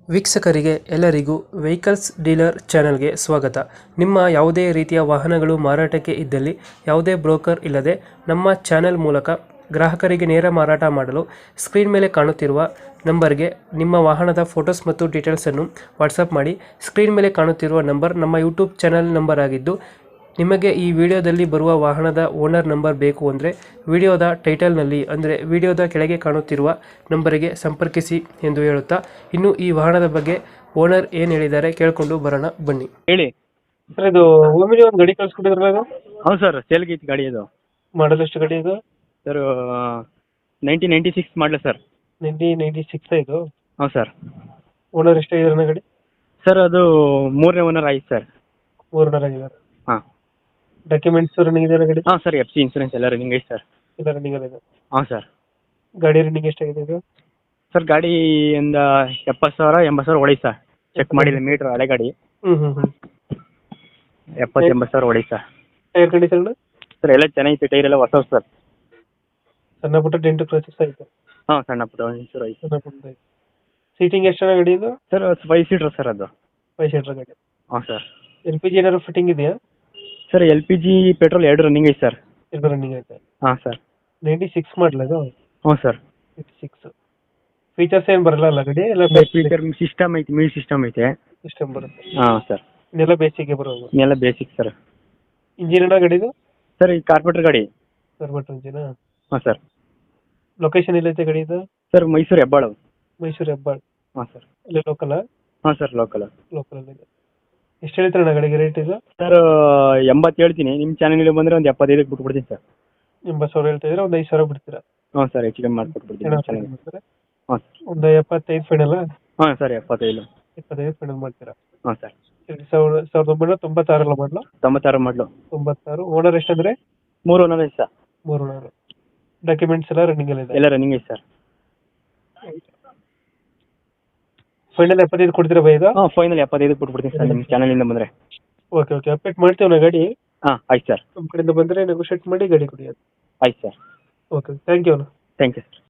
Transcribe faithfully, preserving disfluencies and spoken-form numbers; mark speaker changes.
Speaker 1: ವೀಕ್ಷಕರಿಗೆ ಎಲ್ಲರಿಗೂ vehicles dealer ಚಾನೆಲ್ಗೆ ಸ್ವಾಗತ. ನಿಮ್ಮ ಯಾವುದೇ ರೀತಿಯ ವಾಹನಗಳು ಮಾರಾಟಕ್ಕೆ ಇದ್ದಲ್ಲಿ ಯಾವುದೇ ಬ್ರೋಕರ್ ಇಲ್ಲದೆ ನಮ್ಮ ಚಾನೆಲ್ ಮೂಲಕ ಗ್ರಾಹಕರಿಗೆ ನೇರ ಮಾರಾಟ ಮಾಡಲು ಸ್ಕ್ರೀನ್ ಮೇಲೆ ಕಾಣುತ್ತಿರುವ ನಂಬರ್ಗೆ ನಿಮ್ಮ ವಾಹನದ ಫೋಟೋಸ್ ಮತ್ತು ಡೀಟೇಲ್ಸನ್ನು ವಾಟ್ಸಪ್ ಮಾಡಿ. ಸ್ಕ್ರೀನ್ ಮೇಲೆ ಕಾಣುತ್ತಿರುವ ನಂಬರ್ ನಮ್ಮ ಯೂಟ್ಯೂಬ್ ಚಾನೆಲ್ ನಂಬರ್ ಆಗಿದ್ದು, ನಿಮಗೆ ಈ ವಿಡಿಯೋದಲ್ಲಿ ಬರುವ ವಾಹನದ ಓನರ್ ನಂಬರ್ ಬೇಕು ಅಂದರೆ ವಿಡಿಯೋದ ಟೈಟಲ್ನಲ್ಲಿ ಅಂದರೆ ವಿಡಿಯೋದ ಕೆಳಗೆ ಕಾಣುತ್ತಿರುವ ನಂಬರಿಗೆ ಸಂಪರ್ಕಿಸಿ ಎಂದು ಹೇಳುತ್ತಾ, ಇನ್ನು ಈ ವಾಹನದ ಬಗ್ಗೆ ಓನರ್ ಏನು ಹೇಳಿದ್ದಾರೆ ಕೇಳಿಕೊಂಡು ಬರೋಣ ಬನ್ನಿ.
Speaker 2: ಹೇಳಿ
Speaker 1: ಸರ್, ಇದು ಓಮಿನಿ ಒಂದು ಗಾಡಿ ಕಳಿಸ್ಕೊಟ್ಟಿದ್ರಲ್ಲ, ಅದು
Speaker 2: ಹೌದು ಸರ್, ಸೇಲ್ಗೆ ಐತಿ ಗಾಡಿ ಅದು.
Speaker 1: ಮಾಡಲ್ ಎಷ್ಟು ಗಾಡಿ ಇದು?
Speaker 2: Sir nineteen ninety six model sir.
Speaker 1: Nineteen ninety six ಇದು?
Speaker 2: ಹೌದು ಸರ್.
Speaker 1: ಓನರ್ ಎಷ್ಟಾಗಿದ್ದಾರೆ ಗಾಡಿ?
Speaker 2: ಸರ್ ಅದು ಮೂರನೇ ಓನರ್ ಆಯ್ತು ಸರ್.
Speaker 1: ಓನರ್ ಆಗಿದ್ದಾರೆ.
Speaker 2: ಹಾಂ
Speaker 1: ಡಾಕ್ಯುಮೆಂಟ್ಸ್ ರನ್ನಿಂಗ್ ಇದೆ ಗಾಡಿ?
Speaker 2: ಹಾಂ ಸರ್, ಎಫ್ ಸಿ ಇನ್ಸೂರೆನ್ಸ್ ಎಲ್ಲ ರನ್ನಿಂಗ್ ಐತೆ ಸರ್.
Speaker 1: ಎಲ್ಲ ರನ್ನಿಂಗ್ ಇದೆ.
Speaker 2: ಹಾಂ ಸರ್.
Speaker 1: ಗಾಡಿ ರನ್ನಿಂಗ್ ಎಷ್ಟಾಗಿದೆ ಇದು?
Speaker 2: ಸರ್ ಗಾಡಿ ಒಂದು ಎಪ್ಪತ್ತು ಸಾವಿರ ಎಂಬತ್ತು ಸಾವಿರ ಹೊಡಿ ಸರ್. ಚೆಕ್ ಮಾಡಿಲ್ಲ ಮೀಟ್ರ್, ಹಳೆ ಗಾಡಿ.
Speaker 1: ಹ್ಞೂ ಹ್ಞೂ ಹ್ಞೂ
Speaker 2: ಎಪ್ಪತ್ತು ಎಂಬತ್ತು ಸಾವಿರ ಹೊಡಿ ಸರ್.
Speaker 1: ಟೈರ್ ಕಂಡೀಷನ್
Speaker 2: ಸರ್ ಎಲ್ಲ ಚೆನ್ನಾಗಿತ್ತು, ಟೈರ್ ಎಲ್ಲ ಹೊಸ ಸರ್.
Speaker 1: ಸಣ್ಣ ಪುಟ್ಟ ಡೆಂಟು ಕ್ರಾಚಸ್ ಆಯಿತು?
Speaker 2: ಹಾಂ, ಸಣ್ಣ ಪುಟ್ಟ ಒಂಚೂರು ಐತೆ.
Speaker 1: ಸಣ್ಣ ಪುಟ್ಟ ಆಯ್ತು. ಸೀಟಿಂಗ್ ಎಷ್ಟು ಜನ ಗಾಡಿ ಇದು?
Speaker 2: ಸರ್ ಫೈವ್ ಸೀಟ್ರ್ ಸರ್ ಅದು.
Speaker 1: ಫೈವ್ ಸೀಟರ್ ಗಾಡಿ.
Speaker 2: ಹಾಂ ಸರ್.
Speaker 1: ಎಲ್ ಪಿ ಜಿ ಏನಾದ್ರು ಫಿಟ್ಟಿಂಗ್ ಇದೆಯಾ?
Speaker 2: Sir L P G petrol ಎರಡು ರನ್ನಿಂಗ್ ಐತೆ ಸರ್.
Speaker 1: ಎರಡು ರನ್ನಿಂಗ್ ಐತೆ.
Speaker 2: ಹಾಂ ಸರ್.
Speaker 1: ನೈಂಟಿ ಸಿಕ್ಸ್ ಮಾಡಲ ಇದು?
Speaker 2: ಹ್ಞೂ ಸರ್.
Speaker 1: Ninety six. ಫೀಚರ್ಸ್ ಏನು ಬರಲ್ಲ ಅಲ್ಲ ಗಾಡಿ? ಎಲ್ಲ
Speaker 2: ಫೀಚರ್ ಸಿಸ್ಟಮ್ ಐತಿ, ಮ್ಯೂಸಿಕ್ ಸಿಸ್ಟಮ್ ಐತೆ.
Speaker 1: ಸಿಸ್ಟಮ್ ಬರುತ್ತೆ.
Speaker 2: ಹಾಂ ಸರ್.
Speaker 1: ಇನ್ನೆಲ್ಲ ಬೇಸಿಗೆ ಬರೋದು?
Speaker 2: ಇನ್ನೆಲ್ಲ ಬೇಸಿಕ್ ಸರ್.
Speaker 1: ಇಂಜಿನ್ ಏನೋ ಗಾಡಿದು?
Speaker 2: ಸರ್ ಈ ಕಾರ್ಪೊರೇಟರ್ ಗಾಡಿ.
Speaker 1: Carburettor engine?
Speaker 2: ಹಾಂ ಸರ್.
Speaker 1: ಲೊಕೇಶನ್ ಎಲ್ಲೈತೆ ಗಾಡಿ ಇದು?
Speaker 2: ಸರ್ ಮೈಸೂರು ಹೆಬ್ಬಾಳು.
Speaker 1: ಮೈಸೂರು ಹೆಬ್ಬಾಳು.
Speaker 2: ಹಾಂ ಸರ್.
Speaker 1: ಇಲ್ಲಿ ಲೋಕಲ್?
Speaker 2: ಹಾಂ ಸರ್, ಲೋಕಲ್.
Speaker 1: ಲೋಕಲಲ್ಲಿದೆ. ಎಷ್ಟು ಹೇಳ್ತಾರೆ ಗಾಡಿಗೆ ರೇಟ್ ಇದು?
Speaker 2: ಸರ್ ಎಂಬತ್ತು ಹೇಳ್ತೀನಿ, ನಿಮ್ಮ ಚಾನಲ್ಗೆ ಬಂದರೆ ಒಂದು ಎಪ್ಪತ್ತೈದಕ್ಕೆ ಬಿಟ್ಬಿಡ್ತೀನಿ ಸರ್.
Speaker 1: ಎಂಬತ್ತು ಸಾವಿರ ಹೇಳ್ತಾ ಇದ್ರೆ ಒಂದು ಐದು ಸಾವಿರ ಬಿಡ್ತೀರಾ?
Speaker 2: ಹ್ಞೂ ಸರ್, ಹೆಚ್ಚು ಕಮ್ಮಿ ಮಾಡಿಕೊಟ್ಬಿಡ್ತೀನಿ. ಹಾಂ ಸರ್.
Speaker 1: ಒಂದು ಎಪ್ಪತ್ತೈದು ಫೈನಲ್?
Speaker 2: ಹಾಂ ಸರ್, ಎಪ್ಪತ್ತೈದು.
Speaker 1: ಎಪ್ಪತ್ತೈದು ಫೈನಲ್ ಮಾಡ್ತೀರಾ?
Speaker 2: ಹಾಂ ಸರ್.
Speaker 1: ಸಾವಿರದ ಸಾವಿರದ ಒಂಬೈನೂರ ತೊಂಬತ್ತಾರಲ್ಲ ಮಾಡಲು?
Speaker 2: ತೊಂಬತ್ತಾರು ಮಾಡಲು.
Speaker 1: ತೊಂಬತ್ತಾರು. ಓನರ್ ಎಷ್ಟಂದ್ರೆ?
Speaker 2: ಮೂರು ಓನರ್ ಐತೆ ಸರ್.
Speaker 1: ಮೂರು ಓನರ್. ಡಾಕ್ಯುಮೆಂಟ್ಸ್ ಎಲ್ಲ ರನ್ನಿಂಗ್ ಎಲ್ಲ ಇದೆ?
Speaker 2: ಎಲ್ಲ ರನ್ನಿಂಗ್ ಐತೆ ಸರ್.
Speaker 1: ಫೈನಲ್ ಎಪ್ಪತ್ತೈದು ಕೊಡ್ತೀರಾ ಬೈ ಇದು?
Speaker 2: ಹಾಂ, ಫೈನಲ್ ಎಪ್ಪತ್ತೈದಕ್ಕೆ ಬಿಟ್ಬಿಡ್ತೀನಿ ಸರ್, ನಿಮ್ಮ ಚಾನಲಿಂದ ಬಂದರೆ.
Speaker 1: ಓಕೆ ಓಕೆ, ಅಪ್ಡೇಟ್ ಮಾಡ್ತೀವಿ ನಾ ಗಾಡಿ.
Speaker 2: ಹಾಂ ಆಯ್ತು ಸರ್.
Speaker 1: ನಮ್ಮ ಕಡೆಯಿಂದ ಬಂದರೆ ನೆಗೋಷಿಯೇಟ್ ಮಾಡಿ ಗಾಡಿ ಕೊಡಿ ಅದು.
Speaker 2: ಆಯ್ತು ಸರ್.
Speaker 1: ಓಕೆ, ಥ್ಯಾಂಕ್ ಯು ಅಣ್ಣ.
Speaker 2: Thank you sir.